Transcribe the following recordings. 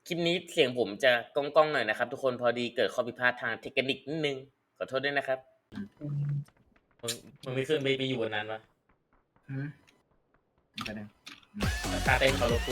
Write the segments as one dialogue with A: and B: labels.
A: คลิปนี้เสียงผมจะก้องๆหน่อยนะครับทุกคนพอดีเกิดข้อผิดพลาดทางเทคนิคนิดนึงขอโทษด้วยนะครับมึงมึงไม่ขึ้นไปอยู่บนนั้นวะ
B: ไปเลย
A: ตาเต้นเขาโลกู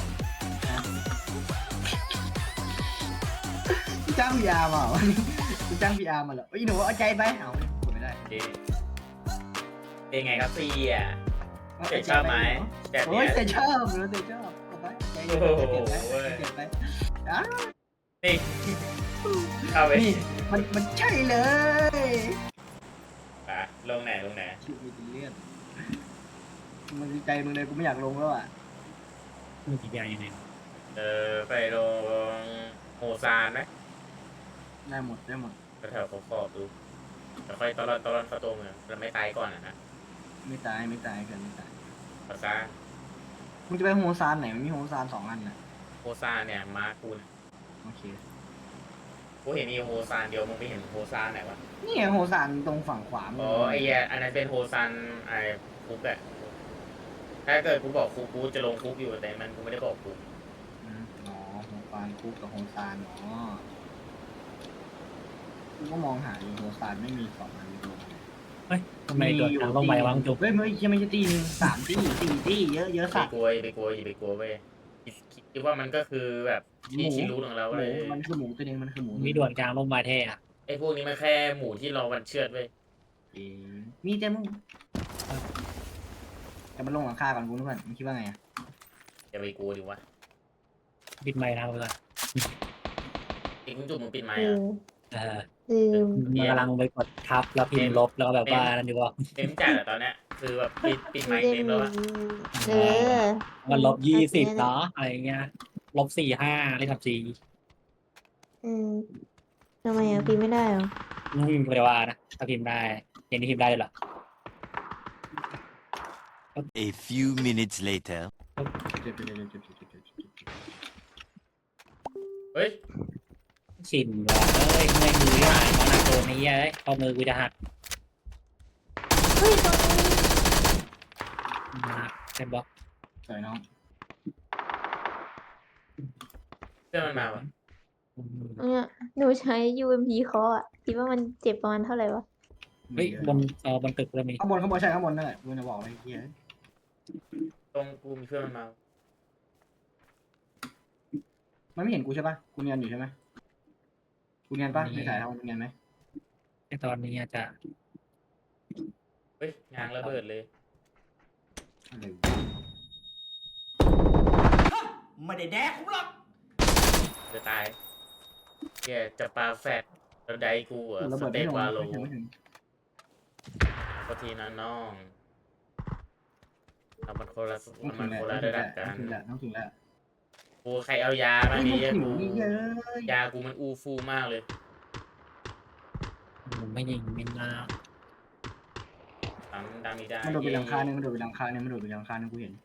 B: จ้างพีอาร์มาวันนี้กูจ้างพีอาร์มาเหรอหนูเอาใจไปเอากดไม่ได้
A: เป็นไงครับซี่อ่ะเจ๊ชอบไหมแบบนี้
B: โอ้ยเจ๊ชอบหนูเจ๊ชอบเอาไปใจเย็นเก็บไป
A: นี่เข้าไป
B: นี่มันใช่เลย
A: ลงไหน
B: ชื่อมีเลื่อนมันดีใจมึงเลยกูไม่อยากลงแล้วอ่ะ
C: มึงกี่อย่างยังไง
A: ไปลงโฮซานไหม
B: ได้หมด
A: แถวขอบดูแต่ค่อยตอนเข้าตัวเมืองเราไม่ตายก่อนนะ
B: ไม่ตายกันไม่ตาย
A: โฮซาน
B: มึงจะไปโฮซานไหนมันมีโฮซาน2 อันน่ะ
A: โฮซานเนี่ยมากูนะ
B: โอเค
A: กูเห็นมีโฮซานเดียวมึงไม่เห็นโฮซานไหนวะ
B: นี่โฮซานตรงฝั่งขวา
A: อ๋อไอ้อันนั้นเป็นโฮซานไอ้คุกอะถ้าเกิดกูบอกกูจะลงคุกอยู่แต่มันกูไม่ได้บอกกู
B: อ๋อโฮซานคุกกับโฮซานอ๋อกูก็มองหาอยู่โฮซานไม่มี2 อันดู
C: เฮ้ยทำไมโดดทางลงไปวางจุก
B: เฮ้ยไม่ใช่ตีนึง3 ตี 4 ตีเยอะสัตว์
A: ไปกลัวเว้ยคิดว่ามันก็คือแบบที่ชิรู้ของเราเลย
B: มันคือหมูตัวนึงมันคือหมู
C: มีด่วนกลางลงมาแท้อะ
A: ไอ้พวกนี้มันแค่หมูที่เราวันเชือดเว้ย
B: มีแต่มึงจะมาลงหลังคาก่อนกูนึกว่ามึงคิดว่าไง
A: อย่าไปกลัวดิวะ
C: ปิดไมค์นะเพื่อน
A: อีกจุดมึงปิดไมค์
C: มีกำลังไปกดทับแล้วพิมพ์ลบแล้วแบบว่านั่นดีว่า
A: เต็มจัดตอนเนี้ยคือแบบปิดไมค์เต็มแล้วอะ
C: มัน-20เนาะอะไรเงี้ย-45เลยครับ
D: ทำไมพิมพ์ไม่ได้หรอ
C: ไม่ได้ว่านะถ้าพิมพ์ได้เห็นที่พิมพ์ได้เลยเหรอ
E: A few minutes later
A: เฮ้ย
C: ชินว่ะเมื่อยมือได้มอนาโกนี้เอ้ยข้อมือกูจะหัก
D: เฮ้ยตรง
C: นี้เต็มบล็อก
B: สวยน้อง
A: เพื่อนมันมาวะ
D: หนูใช้ UMP เคาะอ่ะคิดว่ามันเจ็บประมาณเท่าไหร่วะ
C: เฮ้ยบนตึกเลยมี
B: ข้างบนใช่ข้างบนนั่นแหละกูจะบอกอะไรเฮีย
A: ตรงกูมีเพื่อนมันมา
B: มันไม่เห็นกูใช่ปะกูเนียนอยู่ใช่ไหมกูเนียนปะไม่ถ่ายเท่าเนียนไหม
C: ในตอนนี้อาจจะ
A: เฮ้ยยางระเบิดเลย
B: ไม่ได้แดกกูหรอก
A: จะตายแกจะปาแฟดแล้วได้กูอ่ะสเตปวาโลพอทีนะน้องมันคนละระดับกัน
B: ต้องถึงแล้ว
A: กูใครเอายาบ้างนี่ยากูมันอูฟูมากเลย
C: ผมไม่ยิงไม่น่า
A: ดังมีได้
B: มันโดดไปหลังคาเนี่ยมันโดดไปหลังคาเนี่ยกูเห็น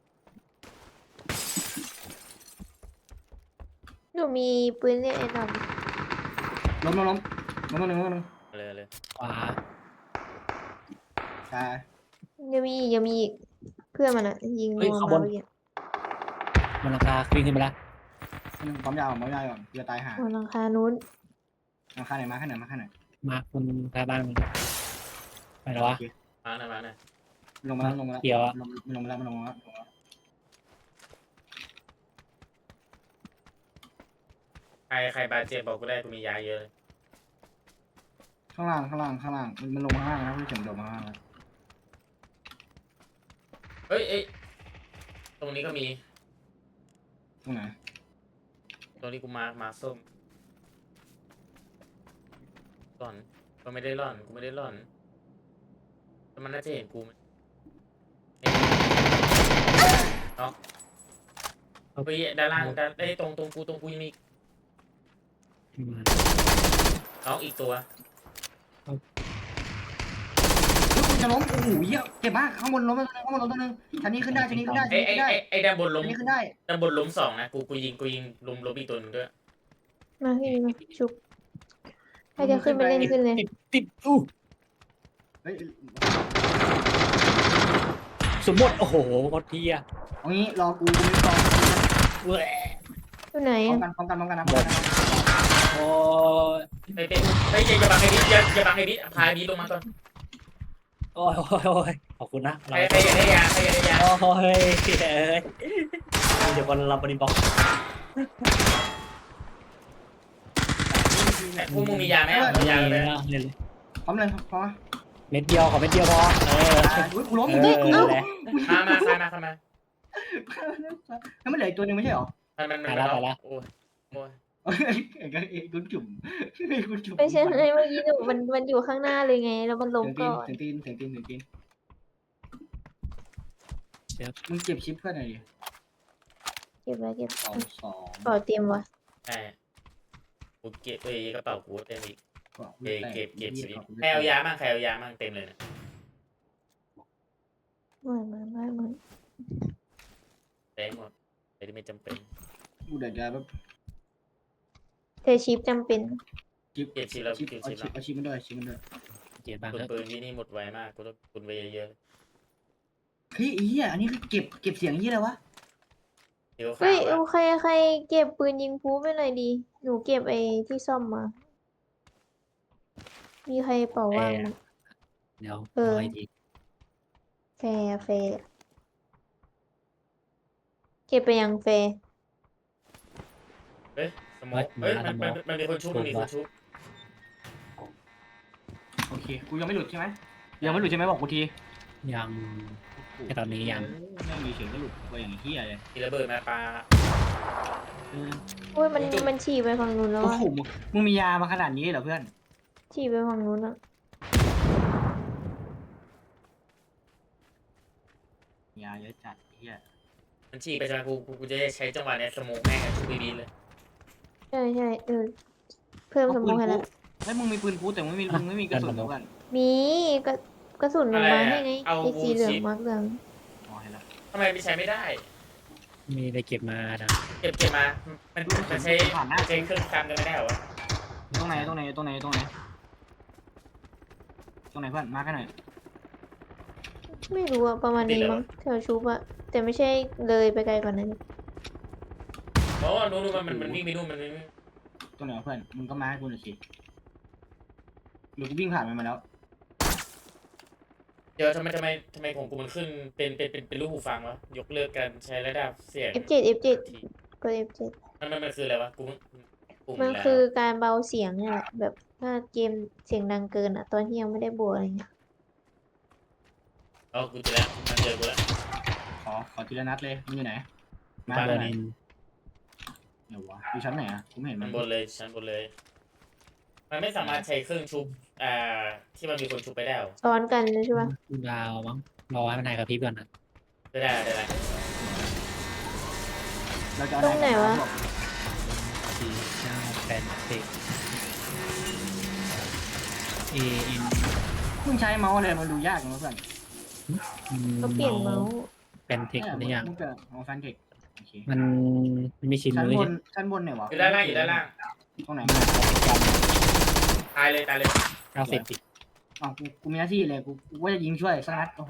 D: หนูมีปืนเล่นไอ้ด
B: ำล้ม
A: เลย
C: ขวา
B: ใช่
D: ยังมีอีกเพื่อนมันอ่ะยิงลงมาเมื่อกี้
C: มันราคาขึ้นไปแล้ว
B: ปั๊มยาวก่อนจะตายหา
D: หลังคานู้น
B: หลังคาไหนมาข้างไหน
C: มาคุณแค่บ้านไปแล้ววะ
A: มาหน่อย
B: ลงมาแล้ว
C: เกี่ยว
B: มันลงมาแล้ว
A: ใครบาดเจ็บบอกกูได้กูมียาเยอะเลย
B: ข้างล่างมันลงมาข้างล่างนะไม่ถึงโดดมาข้างล่าง
A: เฮ้ยตรงนี้ก็มี
B: ตรงไหน
A: ตรงนี้กูมาส้มหล่อนก็ไม่ได้หล่อนกูไม่ได้หล่อนแต่มันน่าจะเห็นกูเนาะไปด้านล่างได้ตรงกูยังมีน้องอีกตัว
B: จะล้มโอ้โหเยอะเจ็บมากข้างบนล้มตัวนึงชั้นนี้ขึ้นได้
A: ไอ้ด้านบนล้ม
B: ขึ้นได้
A: ด้านบนล้ม2นะกูยิงล้มอีกตัวนึงด้วย
D: มาพี่มาชุบใครจะขึ้นไปเล่นขึ้นเลย
C: ติดสมมติโอ้โหโคตรเที่ย
B: เอางี้รอกูไม่ต้อง
D: อยู่ไหนไหน
B: พร้อม
D: อะ
B: กันพร้อมกันพร้อมกันนะ
C: โอ้ย
A: ไปอย่าบังไอ้บิ๊กอย่าบังไอ้บิ๊กพาไอ้บิ๊กลงมาก่อน
C: โอ้ยโอ้ยโอ้ยขอบคุณนะ
A: ใครอยากได้ยาใครอยากได้ยา
C: โอ้ยเอ้ยเดี๋ยวคนรับบริบอก
A: พวกมึงมียาไหมเอายาเลย
C: เล่น
B: พร้อมเลยพร้อม
C: เม็ดเดียวขอเม็ดเดียวพอ
B: อุ้ยกูล้ม
C: เอ
B: อีก
C: อ
B: แล้ว
C: แหละ
A: มาใครมา
B: แล้วมันเหลืออีกตัวหนึงไม่ใช่หรอ
A: มันโอ้ย
B: คุณจุ่มคุณจุ่ม
D: ไม่ใช่ไงเมื่อกี้หนูมันอยู่ข้างหน้าเลยไง แล้วมันล้มก่อน
B: ถึงตีนมึงเก็บชิปเพื่อนหน่อยดิ
D: เก็บไว้เก็บ
B: 2
D: เป่าเตรียมวะ
A: ใช่กูเก็บกระเป๋ากูเต็มอีก
B: 2
A: เก็บสิใครเอายามั่งเต็มเลยนะ
D: ไม่
A: เต็มหมดไม่จำเป็น
B: กูเดี๋ยวจะแบบ
D: เธอชิปจำเป็น
A: เก็บชิปแล้ว
B: เอาชิปมันด้วย
C: เกียรติบ้าง
A: ปืน
C: เถอะ
A: ปืนที่นี่หมดไวมากกูต้องปืนไว้เยอะ
B: เฮ้ยเหี้ยอันนี้คือเก็บเสียงยี่อะไรวะ
A: เดี๋ยว
D: เฮ้ย
A: ข่าว
D: ใครเก็บปืนยิงพูไปหน่อยดี หนูเก็บไอ้ที่ซ่อมมา มีใครเป่าว่างมั้ย
C: เดี๋ยว
D: เออ
C: เอาไอ้ที
D: แฟร์เก็บไปยังแฟร์
A: สมองมันมีคนชุบ
B: โอเคกูยังไม่หลุดใช่ไหมบอกกูที
C: ยังแค่ตอนนี้ยัง
B: ไม่มีเสียงก็หลุดไปอย่างเหี้ยเลย
A: มีระเบิดมาปา
D: โอ้ยมันฉี่ไปฝั่งนู้นแล้ว
B: โอ้
D: อะ
B: โหมึงมียามาขนาดนี้เหรอเพื่อน
D: ฉี่ไปฝั่งนู้นอะ
B: ยาเยอะจัดเหี้ย
A: มันฉี่ไปจนกูจะใช้จังหวะนี้สโมกแม่งชุบบีเลย
D: ใช่เพิ่มสมองให้แล้ว
B: แล้วมึงมีปืนพูแต่มึงไม่มีกระสุนเพื่อน
D: มีกระสุนลงมาให้ไงไอ้สีเหลืองมาร์กเหลือง
B: อ๋อเห็นแล้ว
A: ทำไมไม่ใช้ไม่ได้
C: มีได้เก็บมานะ
A: เก็บมามันใช้เครื่องกันไม่ได้เหรอวะ
B: ตรงไหนเพื่อนมาร์คให้หน่อย
D: ไม่รู้อะประมาณนี้มั้งแถวชุบอะแต่ไม่ใช่เลยไปไกลกว่านั้น
A: โอ้นู้นมันวิ่งไปนู่นมัน
B: ตรงไหนเพื่อนมึงก็มาให้กูหน่อยสิหรือกูวิ่งผ่านมันมาแล้ว
A: เดี๋ยวทำไมของกูมันขึ้นเป็นรูปหูฟังวะยกเลิกการใช้ระดับเสียง
D: F7 กด F7
A: มันคืออะไรวะกู
D: มันคือการเบาเสียงเนี่ยแหละแบบถ้าเกมเสียงดังเกินอะตอนที่ยังไม่ได้บวกอะไรเงี้ย
A: อ๋อกูเจอแล้วมันเจอกูแล้ว
B: ขอทีละนัดเลยมึงอยู่ไหนมา
C: บ้าน
B: เลย
C: นิน
B: เดี๋ยววะอยู่ชั้นไหนอ่ะกูไม่เห็น
A: มั
B: มัน น
A: บนเลยชั้นบนเลย มันไม่สามารถใช้เครื่องชุบที่มันมีคนชุบไปได้หรอ
D: ซ้อนกันเลยใช่ปะ
C: ดาวมั้งรอให้มันหายกับพริบก่อนนะ
A: ได้
B: เราจะเอา
D: ตรงไหนวะ
C: 49 80 AM
B: มึงใช้เมาส์อะไรมันดูยากนะเพื่อน
D: ก็เปลี่ยนเมาส์
C: เป็นเทคหรือยัง
B: มึงจะเอาแฟนเทคโอเค
C: มันมีชิ้น
B: ชั้น
C: มือบ
B: นชั้นบนไหนวะ
A: อยู่ด้านล่าง
B: ตรงไหน
A: ตายเลย
C: 90
B: อ๋อกูมีหน้าที่เลยกูว่าจะยิงช่วยสักนัดโอ้โห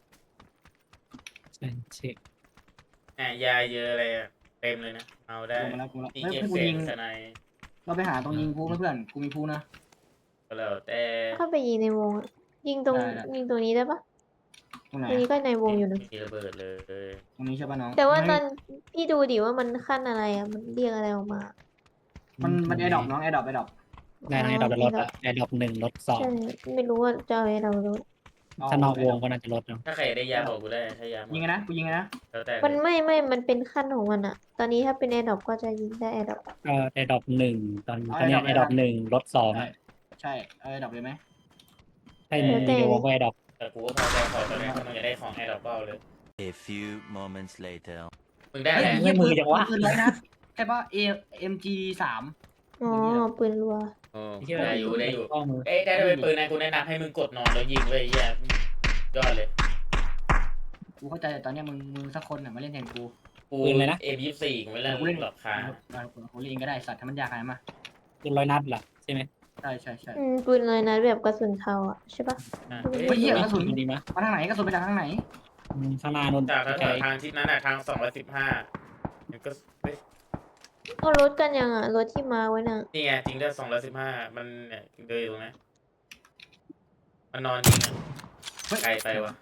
C: เป็นเช็ค
A: ยาเยอะอะไรเต็มเลยนะเอาได้
B: กูมาแล้ว
A: ตี
B: เฮ้ย
A: เก็บ
B: กู
A: เสีย
B: ยิ
A: ง
B: ง
A: สไน
B: เราไปหาตรงยิงพูเพื่อนกูมีพูนะ
A: ก็แล้วแต่
D: เข้าไปยิงในวงอะยิงตรงนี้ได้ปะ
B: ตรงไหน
D: ตรงนี้ก็ในวงอยู่นะ
A: มีระเบิดเลย
B: ตรงนี้ใช่ป่ะน้อง
D: แต่ว่าตอนพี่ดูดิว่ามันขั้นอะไรอะมันเรียกอะไรออกมา
B: มันแอร์ดรอปน้องแอร์ดรอป
C: ได้ทั้งไอ้ดอกและรถอะไอ้ดอก1รถ
D: ใช่ไม่รู้ว่าจะเอาอะไรเรารู้
C: 2ถ้านอกวงก็น่าจะลดเนาะ
A: ถ้าใครได้ยาบอกกูได้ถ้ายาหมด
B: ยิงไงนะกูยิงไงนะ
A: แล้วแต่
D: มันไม่มันเป็นขั้นของมันอะตอนนี้ถ้าเป็นแอร์ดรอปก็จะยิงได้แอร์ดรอป
C: ก็ไอ้ดอก1ตอนเนี้ยไอ้ดอก1รถ2อะ
B: ใช่แอร์ดรอปเลยไหม
C: ถ้ามีในวงก็ไอ้ดอก
A: แต่กูก็พอใจขอตอนนี้ถ้ามึงอยากได้ของแอร์ดรอปก็เอาเลย
E: A few moments later.
A: มึงได้อะไร
C: ไม่มือจังวะ
B: ปืนร้อยนัดใช่ป่ะ AMG3
D: อ๋อปืนรัว
A: ได้อยู่
C: ข้อมือ
A: ได้เป็นปืนนะกูแนะนำให้มึงกดนอนแล้วยิงเลยแย่ยอดเลย
B: กูเข้าใจแต่ตอนเนี้ยมึงสักคนน่ะมาเล่นแทนกู
A: กูM24กูไม่เล่น
B: กูเล่น
A: หลอกค้า
B: กูเล่นก็ได้สัตว์ถ้ามันยากอะไรมา
C: เป็น100 นัดเหรอใช่ไหม
B: ใช่
D: ปืนเลยนะแบบกระสุนเทาอะใช่ปะ
B: เฮ้ยเหี้ยกระสุน
C: ดีมั้ย
B: มาทางไหนกระสุนไปจากทางไหน
C: ข้างหน้านู่น
A: จากทางทิศนั้นทาง215มันก็
D: เอารถกันยังอ่ะรถที่มาไว้น่ะ
A: นี่ไงจริงด้วย215มันเนี่ยเดินอยู่ตรงนี้มันนอนยิงอ่ะไกลไปวะ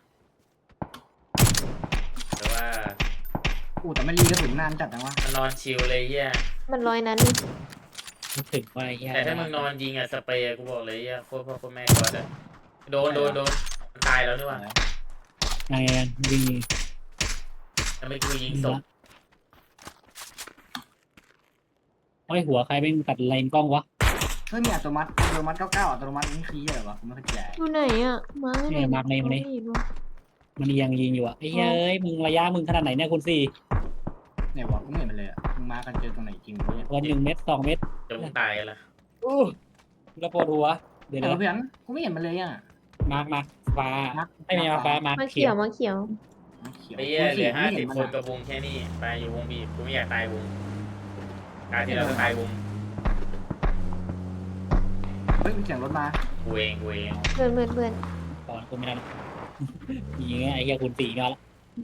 A: แต่ว่า
B: แต่ไม่รีกระสุนนานจัดนะวะ
A: มันนอนชิลเลยเฮีย
D: มันร้อยนั้นนี่
C: นึกถึงว่าไอ้เหี้ย
A: แต่ถ้ามึงนอนยิงอ่ะสเปรย์กูบอกเลยเฮียโคตรพ่อโคตรแม่ก็ได้โดนมันตายแล้วนี่หว่า
C: ไงยิง
A: แต่ไม่กูยิงศพ
C: ไอ้หัวใครเป็นตัดเลนกล้องวะ
B: เฮ้ยมีอัตโนมัติ99อัตโนมัตินี่คืออะไรวะผมไม่เข้าใจ
D: อยู่ไหนอ่ะมาให้หน่
C: เนี่
D: อย
C: มาร์กในมันนี่
D: ไม่เห็นวะ
C: มันยังยิงอยู่อ่ะไอ้เหี้ยเอ้ยมึงระยะมึงขนาดไหนเนี่ยคุณสี่
B: เนี่ยวะกูไม่เห็นมันเลยอ่ะมึงมากันเจอตรงไหนจริงวะเนี่ย
C: วัน1 เม็ด2 เม็ด
A: จะมึงตายกันละ
C: อู้แล้วปวดหัวเดี๋ยว
B: เอ
C: นะ
B: อเพื่อนกูไม่เห็นมันเลยอ่ะ
C: มาร์กฟ้า
B: มาร์ค
C: ไม่มีมาฟ้ามาร์ก
D: มา
C: เขี
D: เขี
C: ย
D: ยว วมาเขียว
B: เขียว
A: ไอ้เฮียเหลือ
B: ไม่เห็น
A: 50
B: มัน
A: คน
B: อะ
A: กับวงแค่นี้ไปอยู่วงบีบกูไม่อยากตายวงการที่เราจะตายวง
B: เฮ้ยมีเสียงรถมา
A: กูเอง
D: เพื่อน
C: ก่อนกูไม่ได้ยิงไอ้เหี้ยคุณสี่ก็แล้ว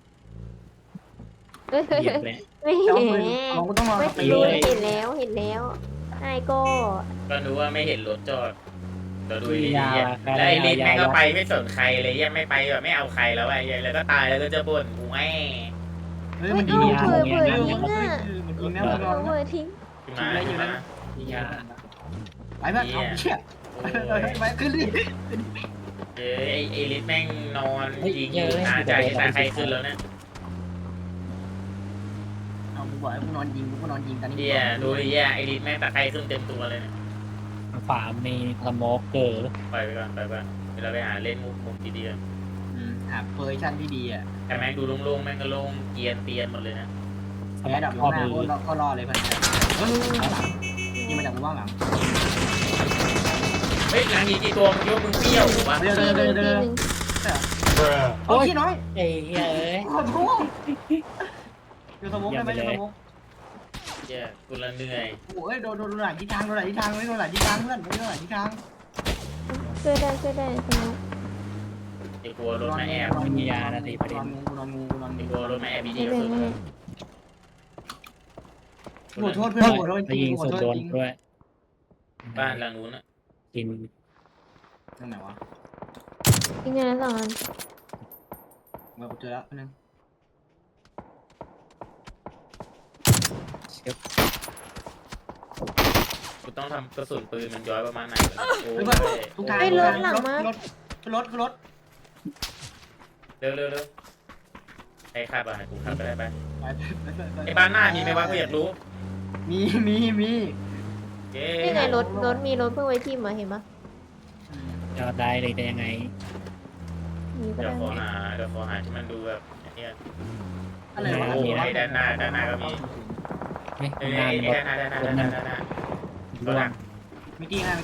D: เฮ้ย
C: เหยียบเลย
D: ไม่
B: แต่
D: เห็
B: ว่าน ปืนของกูต้องรอ
D: ไม่
B: สปีด
D: รู้
B: เลย
D: เห็นแล้วไอ้ก็
A: ก็รู้ว่าไม่เห็นรถจอดเดี๋ยวดูดีๆเฮียแล้วไอ้ลินแม่งก็ไปไม่สนใครเลยเฮียไม่ไปแบบไม่เอาใครแล้วไอ้เฮียแล้วก็ตายแล้วก็จะบ่นกูแม่
B: เฮ้ยมันยิ
D: เอ้าง
B: นะ
D: เผื่อ
B: มัน
D: ทิ้งอ่ะ
B: ยิงนะมันนอน
D: เผื่อทิ้ง
A: ขึ้นมาขึ้นมา
B: ไปเพื่อนเอาเชี่ย
A: โอ้
B: ไป
A: ย
B: ขึ้นดิ
A: เอ้ยไอ้ลินแม่งนอนยิงอยู่หาใจที่ตาใครขึ้นแล้วเนี่ย
B: เอากูบอกให้กูนอนยิงกูก็นอนยิงกันนี่
A: เฮียดูดิเฮียไอ้ลินแม่งตาใครขึ้นเต็มตัวเลยเนี่ย
C: ขวามีสโมกเกอร์
A: ปล่อยไปก่อนเดี๋ยวเราไปหาเล่นมุกคงดีๆกัน
B: หาเฟอร์ชั่นที่ดีอ่ะ
A: แต่แม่งดูโล่งๆแม่งก็โล่งเกียนเตียนหมดเลยนะ
C: ส
B: แอ
C: มั
B: ด
C: ค
B: ดั
C: ร
B: บ
C: ข้อ
B: หน้า
C: มือ
B: ก็รอเลยเพื่อนยิงมาจากมุมว่างหลัง
A: เฮ้ยหลังอีกกี่ตัวมันยกมึงเปรี้ยววะ
B: เดิน
D: ทีหนึ่งทีหนึ่ง
B: โอ้ยน้อย
C: เอ้ยเอ้ย
B: ขอโทษอยู่สมองได้ไหมอยู่สมอง
A: เฮียกูละเหนื่อย
B: โอ้ยโดนหลายทิศทางไม่โดนหลายทิศทางเพื่อนไม่โดนหลายทิศทาง
D: ช่วยได้สนุก
A: ไอ้กลัวรถมาแอบ
B: นอนงูนอนงู
A: ไอ้กลัวรถมาแอบบี
D: ไม่
A: ดี
D: เป็
A: สุ
D: น
A: ด
D: ไร
B: ขอโทษเพื่อนขอโทษจ
C: ไป
B: ริ
C: ยิ
B: ง
C: ง
B: ขอ
C: สุด
B: โทษ
C: โดน
B: จริง
C: ด้วย
A: บ้านหลังนู้นอ่ะ
C: กิน
B: ตรงไหนวะ
D: อีกงานสองอัน
B: เราเจอแล้วนึง
A: กูต้องทำกระสุนปืนมันย้อยประมาณไหนวะโอ้
B: เพื่อน
A: ย
B: ทุกทางรถ
A: เร็วใครขับอ่ะกูขับไปได้ไป
B: ไป
A: ไอ้บ้านหน้ามีไหมวะกูอยากรู้
B: มี
A: เย้
D: นี่ไงรถมีรถเพิ่งไว้ที่มาเห็นปะ
C: จะได้เลยแต่ยังไง
D: มีก็
A: เดี๋ยว
D: ได้
A: ขอหาที่มันดูแบบอันเนี้ย
B: อะไรวะ
A: โอ้ยด้านหน้าก็มี
C: ไม่
A: เอ้ย
C: งานรถ
A: ด้านหน้า
C: ร่วง
B: ไม่จริงอ่ะ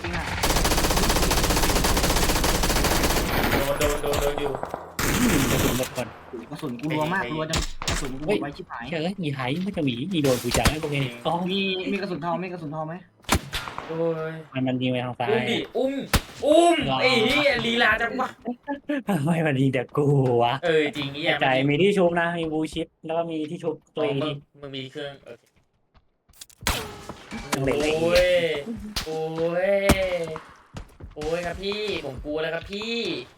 A: โดนอยู่
C: กระสุนหมดก่อน
B: กระสุนกูรัวมากรัวจังกระสุนกูไว้ชิบหาย
C: เฮ้ยมีหายไม่จะหมีมีโดนกูจังไอ้พวกนี้ก็
B: มีกระสุนทองไหม
A: โอ้ย
C: มันยิงไปทางซ้าย
A: อุ้มไอ้เหี้ยลีลาจังวะ
C: ไม่มันยิงแต่กูวะ
A: จริงเหี้ย
C: ใจมีที่ชุบนะมีบูชิปแล้วก็มีที่ชุบตัวเองที่
A: มึงมีเครื่องโอเค
C: ยังเหลืออีก
A: โอ้ยครับพี่ผมกลัวแล้วครับพี่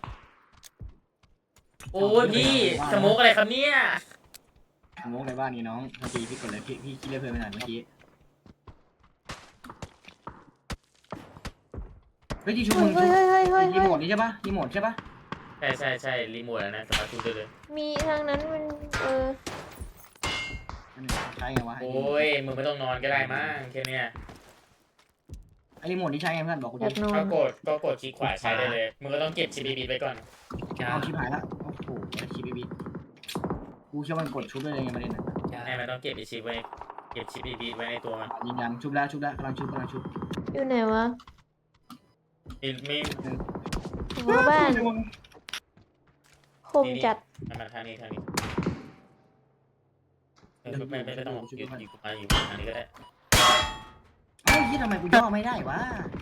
A: โอ้ยพี่สโมกอะไรครับเนี่ย
B: สมองในบ้านนี่น้องเมื่อกี้พี่กดเลยพี่คิดเรื่องเพื่อนไปไหนเมื่อกี้เฮ้ยที่ชุบ
D: เฮ้ย
B: รีโมทนี่ใช่ปะรีโมทใช่ปะ
A: ใช่รีโมทแล้วนะสามารถดูได้เลย
D: มีทางนั้นมัน
B: ใช้ไงวะ
A: โอ้ยมึงไม่ต้องนอนก็ได้มั้งแค่เนี้ย
B: ไอ้รีโมทนี่ใช้ไงเพื่อนบอกกู
D: อ
B: ดิ
D: ยากนอน
A: ก็กดคลิกขวาใช้ได้เลยมึงก็ต้องเก็บ CBB ไปก่อน
B: เอาชิบหายละโอ้โหชิปบีกูเชื่อมันกดชุบได้เลยไงประเด็นน่ะ
A: ให้มันต้องเก็บไอชิปไว้เก็บชิป BB ไว้ในตัวมัน
B: ยืนยันชุบแล้วกำลังชุบ
D: อยู่ไหนวะ
A: มี
D: หัวบ้านคมจัด
A: มาทางนี้ไม่ต้องอยู่ทางนี้ก็ได้
B: เอ้ายี่ทำไมกูย่อไม่ได้วะ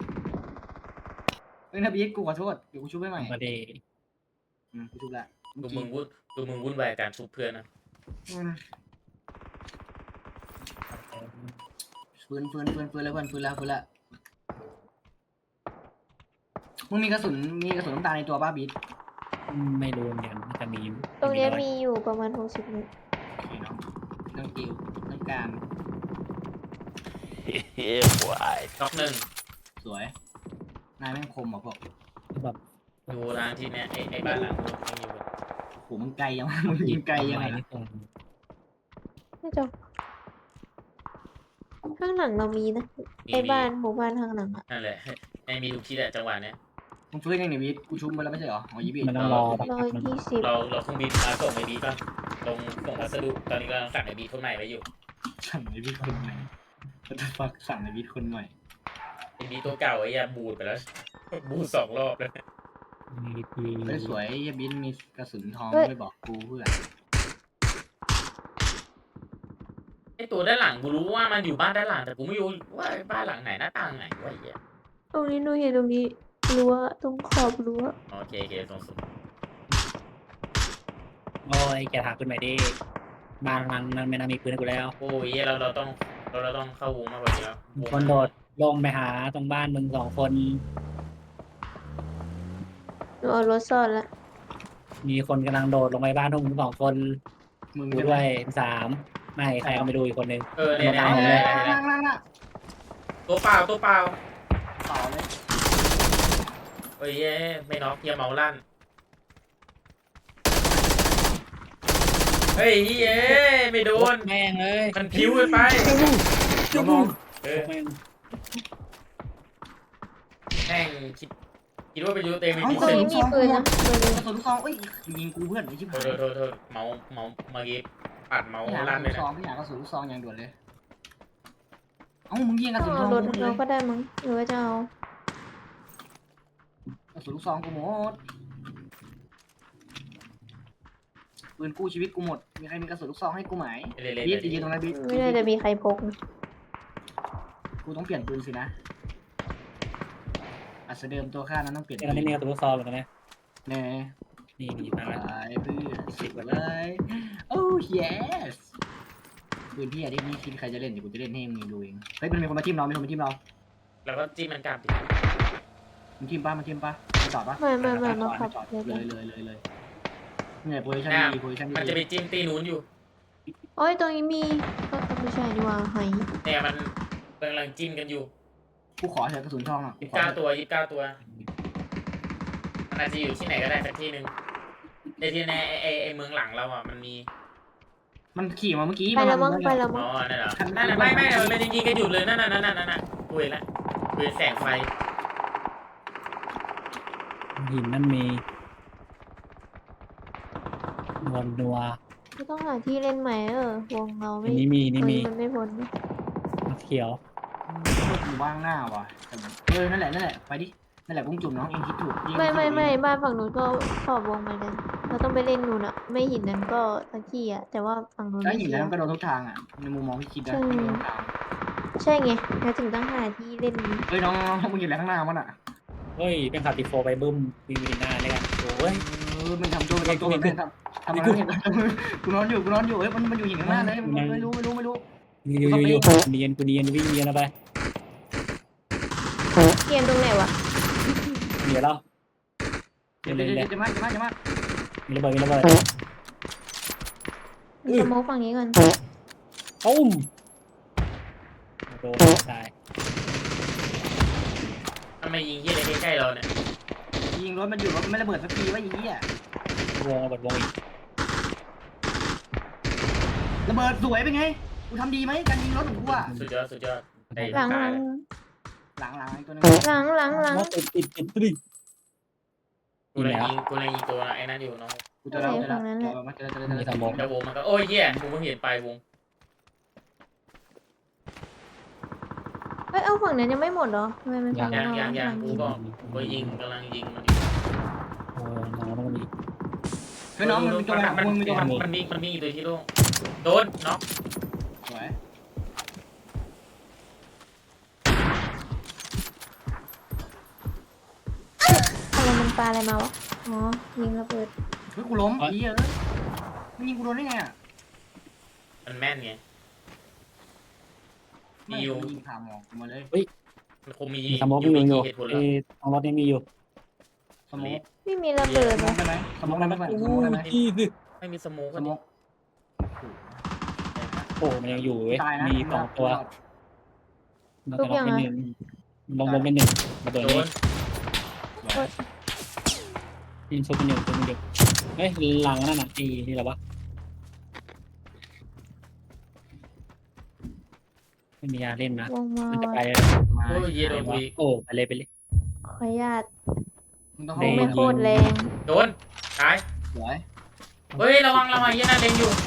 B: เฮ้ยนะบิ๊กกูขอโทษเดี๋ยวกูชุบให้ใหม่
C: มาดี
B: กูชุบละ
A: ดูมึงวุ่นวายการชุบเพื่อนนะ
B: ฟื้นแล้วเพื่อนฟื้นแล้วมึงมีกระสุนน้ำตาลในตัวป้าบิ๊ด
C: ไม่รู้เหมือนกันน่าจะมี
D: ตรงเนี้ย
C: น้อย
D: มีอยู่ประมาณ60 เมตร
B: โอเคเนาะต้องติวต้องการ
E: Yeah, boy.
A: น็อกหนึ่ง
B: สวยนายแม่งคมอ่ะพวก
C: แบบ
A: ดูทางที่เนี่ยไอ้บ้านหลังนู้นยังอยู่
B: โหมึงไกลยังวะมึงยิงไกลยังไง
C: นี่ตรง
D: ไม่จบข้างหลังเรามีนะไอ้บ้านหมู่บ้านข้างหลังอะ
A: นั่นแหละไอ้มีทุกที่แหละจังหวะเนี้ย
B: มึงฟื้นยังไงบิ๊ดกูชุบมาแล้วไม่ใช่เหรออ๋อยี่บิ๊ด
C: มันต้องรอสักพักนึง
D: 120
A: เราเครื่องบินมาส่งไอ้บีป่ะลงส่งพัสดุตอนนี้กำลังสั่งไอ้บีคนใหม่ไว้อยู่
B: สั่งในบิ๊ดคนใหม่ก็จะฟักสั่งในบิ๊ดคนใหม่
A: ไอ้บีตัวเก่าไอ้ยาบูดไปแล้ว บูด2 รอบแล้ว
C: มีที
B: สวยยี่บิ๊ดมีกระสุนทองไม่บอกกูเพื่อน
A: ไอ้ตัวด้านหลังกูรู้ว่ามันอยู่บ้านด้านหลังแต่กูไม่รู้ว่าบ้านหลังไหนหน้าต่างไหนวะไอ้เหี้ย
D: ตรงนี้หนูเห็นตรงนี้รั้วตรงขอบรั้ว
A: โอเคตรงสุด
C: โอ้ยแกถามขึ้นไปดิบางมันไม่น่ามีปืนให้กูแล้ว
A: โอ้ยเราต้องเข้าวงมากกว่านี้แล้ว
C: มีคนโดดลงไปหาตรงบ้านมึง2 คน
D: หนูเอารถซ่อนละ
C: มีคนกำลังโดดลงไปบ้านพวกมึง2 คน
B: มึง
C: กู
B: จะ
C: ด้วย3ไม่ใครก็ไม่ดูอีกคนนึง
A: เนี่ย
B: เอาเลย
A: ตัวเปล่า
B: ต่อเลย
A: เฮ้ยไม่น็อกเฮียเมาลั่นเฮ้ยเฮ้ยไม่โดน
C: แม่งเลย
A: มันพิ้วไป
B: จุ๊บ
A: เออ
C: แม่ง
A: แม่งคิดว่าเป็นยูเต็มไม่
B: เอา
A: มี
D: ตรง
A: สิ
D: นี้มีปืนนะเบอร์
B: กระสุนลูกซองเอ้ยยิงกูเพื่อนไอ้ชิบหาย
A: โทษเมาเมื่อกี้ปัดเมา
B: พี่หากระ
A: ลั่น
B: สุ
A: เลย
B: นซ
A: นะ
B: องพี่หากระสุนลูกซองอย่างด่วนเลยเอ้ามึงยิงกระ
D: ต้อ
B: สุ
D: ง
B: นท
D: เอา
B: อง
D: รถ
B: กูเล
D: เรา
B: ย
D: ก็ได้มั้งหรือว่าจะเอา
B: กระสุนลูกซองกูหมดปืนกู้ชีวิตกูหมดมีใครมีกระสุนลูกซองให้กูไหม
A: เล่น
B: บีทยิงตรงนั้นบีท
D: ไม่น่าจะมีใครพกนะ
B: กูต้องเปลี่ยนปืนสินะอัศเดิมตัวข้านั้นต้องเปลี่ยน
C: ตอนนี้มีกระสุนลูกซองเหมือนกันนะ
B: แน่
C: นี่มาแล้ว
B: ตายเพื่อนสิบเลยโอ้ yes ปืนพี่อะที่นี่คิดใครจะเล่นเดี๋ยวกูจะเล่นให้มึงดูเองเฮ้ยมันมีคนมาทีมเรามีคนมาทีมเรา
A: แล้วก็จิ้มมันกลับดิ
B: มันทีมป้ามันทีมป้าไปจอดปะ
D: ไม่มาขับ
B: จอด
D: เลย
B: เลยเนี่ยโพซิชั่นดีโพซิชั่น
A: มันจะ
B: ดี
A: ไปจิ้มตีนู้นอยู่
D: โอ้ยตรงนี้มีก็ไม่ใช่นี่ว่าไห
A: เนี่ยมันกำลังจิ้มกันอยู่
B: กูขอเถอะกระสุนทองอ่ะกูขอ
A: 29 ตัวมันอาจจะอยู่ที่ไหนก็ได้สักที่หนึ่งในที่แน่ไอเมืองหลังเราอ่ะมันมี
B: มันขี่มาเมื่อกี้
D: ไปแล้วมั้ง
B: มัน
D: ไปแล้ว
A: อ๋
D: มั้
A: อง นั่นเหรอนั่นน่ะไม่มันยิงกันอยู่เลยนั่นกูเห็นละกูเห็นแสงไฟ
C: หินนั่นมีนัว
D: ก็ต้องหาที่เล่นใหม่วงเรา
C: อั
D: ไม่
C: นนี้มีนี่มี
D: มันไม่พ้นนะ
C: เขียว
B: อยู่ว่างหน้าว่ะนั่นแหละไปดินั่นแหละกุ้งจุ่มน้องเองคิดถูก
D: ไม่บ้านฝั่งนู้นก็ขอบวงเหมือนกันเราต้องไปเล่นนู่นอะไม่หินนั้นก็สักที่อะแต่ว่าฝั่งนู้น
B: แล้ว
D: ไม่
B: หิน
D: เชีย
B: นั้น
D: ร์
B: ก็โดนทุกทางอ่ะในมุมมองที่คิดนะ
D: ใช่ไงเราถึงต้องหาที่เล่น
B: เฮ้ยน้องมึงอยู่แล้วข้างหน้ามันอ่ะ
C: เฮ้ยเป็นขับติโฟไปบึ้มมีหน้าเลยกันโอ้ย
B: มันทำตัวทำอะไรกูนอนอยู่เฮ้ยมันอยู่หินข้างหน้าเลยไม่รู้
C: อยู่เนียนกูเนียนวิ่งเนียนไป
D: เกมตรงไหนวะ
C: เดี๋ยวเรา
B: จะมา
C: มีระเบิดมีระเบิด
D: สโมกฝั่งนี้ก่อน
C: ตุ้มโดนตาย
A: ทำไมยิงที่อะไรใกล้ๆเราเนี่ย
B: ยิงรถมันอยู่รถไม่ระเบิดสักทีว่าอย่างนี้อ่ะ
C: วงระเบิดวงอีก
B: ระเบิดสวยเป็นไงกูทำดีไหมการยิงรถของกูอ่ะ
A: สุดยอดได้
D: หลัง
A: ตาย
B: หลังตัวนึง
D: หลัง
C: ติดดิ
A: กูเลยยิงตัวไอ้นั่นอยู่น้อง
B: กูจะเล่ามาเจอ
C: มีสมอง
A: แล้ววงมันก็โอ้ยเหี้ยกูเพิ่งเห็นปลายวง
D: เอ้ยเอาฝั่งนั้นยังไม่หมดเหรอทำไมมันฝั่ง
A: ยังกูก็กำลังยิงมันอยู่
C: โอ้น้องมันมี
B: เฮ้ยน้องมันมีตัวแบบมึงมีตัวแบบ
A: มันมีอีกตัวที่โล่งโดนน็อก
B: สวย
D: อะไรมันปลาอะไรมาวะอ๋อยิงระเบิด
B: เฮ้ยกูล้มดีเออมึงยิงกูโดนได้ไงอ่ะ
A: มันแม่นไง
B: ไม่อยู่ยิงผ่าหมอกกูมาเลย
A: มันคงมี
C: มีสโมกมีอยู่
A: เหตุผล
C: ไอ้ตรงรถนี่มีอยู่
B: สโมก
D: ไม่มีระเบิด
B: สโม
D: นะ
B: กได้ไหมสโมกได้ไหมสโมกได้ไหม
A: ไม่มีสโมก
B: ส
A: ก็
B: โม
A: ดิ
B: ก
C: โอ้มันยังอยู่เว้ย
B: ตายนะ
C: มีสองตัวมันจะล็อกไปหนึ่งลงรถไปหนึ่งมาตัว
A: โด
C: นี้
A: น
C: ยิงชุบไปหนึ่งตัวนึงเดียวเฮ้ยหลังนั่นน่ะไอ้นี่แหละวะไม่มียาเล่นนะ
D: วงมา
C: มันจะไป
B: มา
A: โอ้ยเหี้ยโดนกูอีก
C: โอ้ไปเลยไปเลย
D: ขออนุญาต
B: มึงต้อง
C: เด้
D: ไม่โคตรแรง
A: โดนตาย
B: สวย
A: เฮ้ยระวังเหี้ยนั่นเล็งอยู่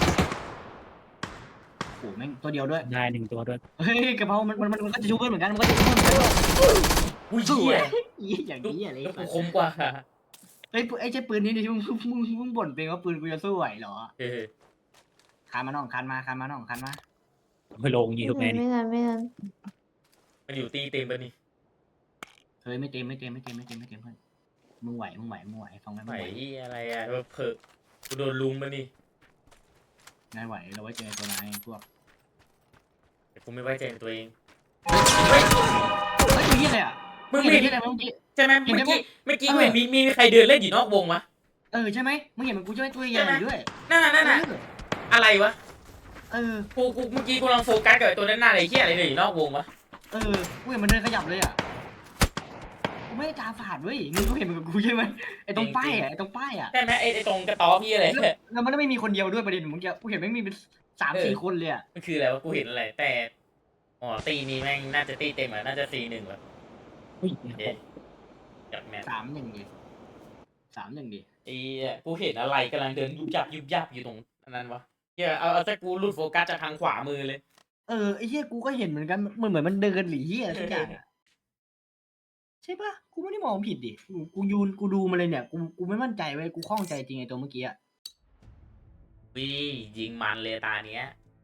B: โอ้แม่งตัวเดียวด้วย
C: ได้หนึ่งตัวด้วย
B: เฮ้ยกระเพรามันก็จะชูเพื่อนเหมือนกันมันก็จะชูเพื่อนเหมือนกัน
A: อุ้ย
B: สว
A: เหี้
B: ย
A: ย
B: อย่างนี้อะไร
A: ลูกกูคมกว่า
B: เฮ้ยไอ้เจ้าปืนนี่ดิมึงบ่นเป็นว่าปืนกูจะสู้ไหวเหรอ
A: เออ
B: คานมาน้องคานมาน้องคานมา
C: ไปลงยิงทุกแม่นี่
D: ไม่ทัน
A: มันอยู่ตีเต็มปะนี่
B: เฮ้ยไม่เต็มเพื่อนมึงไหวฟังไหม
A: ไหวอะไรอ่ะเผลอกูโดนลุมปะนี่
B: นายไหวเราไว้เจอตัวนายพวก
A: แต่กูไม่ไว้ใจในตัวเอง
B: เฮ้ยตัวเหี้ยอะไรอ่ะ
A: มึง
B: เห็น
A: ไม่
B: ที่ไหนเมื่อกี้
A: ใช่ไหมเมื่อกี้กูเห็นมีใครเดินเล่นอยู่นอกวงวะ
B: ใช่ไหมมึงเห็นมันกูใช่ไหมตัวใหญ่ด้วย
A: นั่นน่ะอะไรวะ
B: เออ
A: กูเมื่อกี้กูลองโฟกัสกับตัวนั้นหน้าอะไรเหี้ยอะไรเลยอยู่นอกวงวะ
B: กูเห็นมันเดินขยับเลยอ่ะกูไม่ได้ตาฝาดเว้ยมึงก็เห็นมันกับกูใช่ไหมไอ้ตรงป้ายอ่ะ
A: ใช่ไหมไอ้ตรงกระต๊อบพี่อะไร
B: แล้วมันไม่มีคนเดียวด้วยประเด็นมึงกูเห็นแม่งมีเป็น3-4 คนเลยอ่ะ
A: มันคืออะไรวะกูเห็นอะไรแต่อ๋อตีนี้แม่งน่าจะตีเต็มอ่ะน่าจะตี1แบบ
C: อุ้ย
A: จากแมน
B: 3-1ดิ
A: ไอ้กูเห็นอะไรกำลังเดินยุบยับอยู่ตรงนั้นวะเหี้ยเอาแต่กูหลุดโฟกัสจากทางขวามือเลย
B: ไอ้เหี้ยกูก็เห็นเหมือนกันเหมือนมันเดินหรือเหี้ยทุกอย่างอ่ะใช่ปะกูไม่ได้มองผิดดิกูดูมาเลยเนี่ยกูไม่มั่นใจเว้ยกูข้องใจจริงไอ้ตัวเมื่อกี้อ่ะ
A: วิยิงมันเลยตาเนี้ย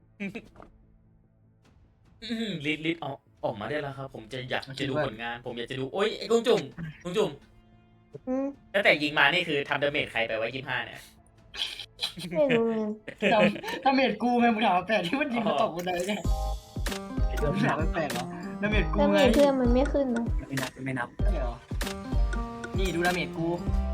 A: ลิดออกมาได้แล้วครับ ผมอยากจะดูผลงาน ผมอยากจะดูโอ๊ยไอ้กุ้งจุ่ม
D: อืม
A: ตั้งแต่ยิงมานี่คือทำดาเมจใครไปไว้25เนี่ย
D: ไม่รู้เหมือนกัน
B: ดาเมจกูไงมึงถามแปลกที่มันยิงมาตกบันไดเนี่ยมึงถามแปลกเหรอดาเมจกู
D: แล้ว
B: ไง
D: มีเพื่อนมันไม่ขึ้นนะ
C: ไม่นับ
B: เดี๋ยวนี่ดูดาเมจกู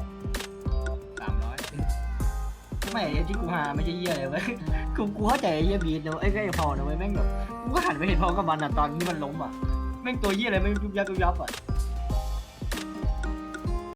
B: 300ไม่ไอ้ที่กูหาไม่ใช่เหี้ยเลยเว้ยกูเข้าใจไอ้เหี้ยบีทนะไอ้พอนะเว้ยแม่งแบบกูก็หันไปเห็นพอกับมันอ่ะตอนที่มันล้มอ่ะแม่งตัวเหี้ยอะไรไม่ยุบยับอ่ะ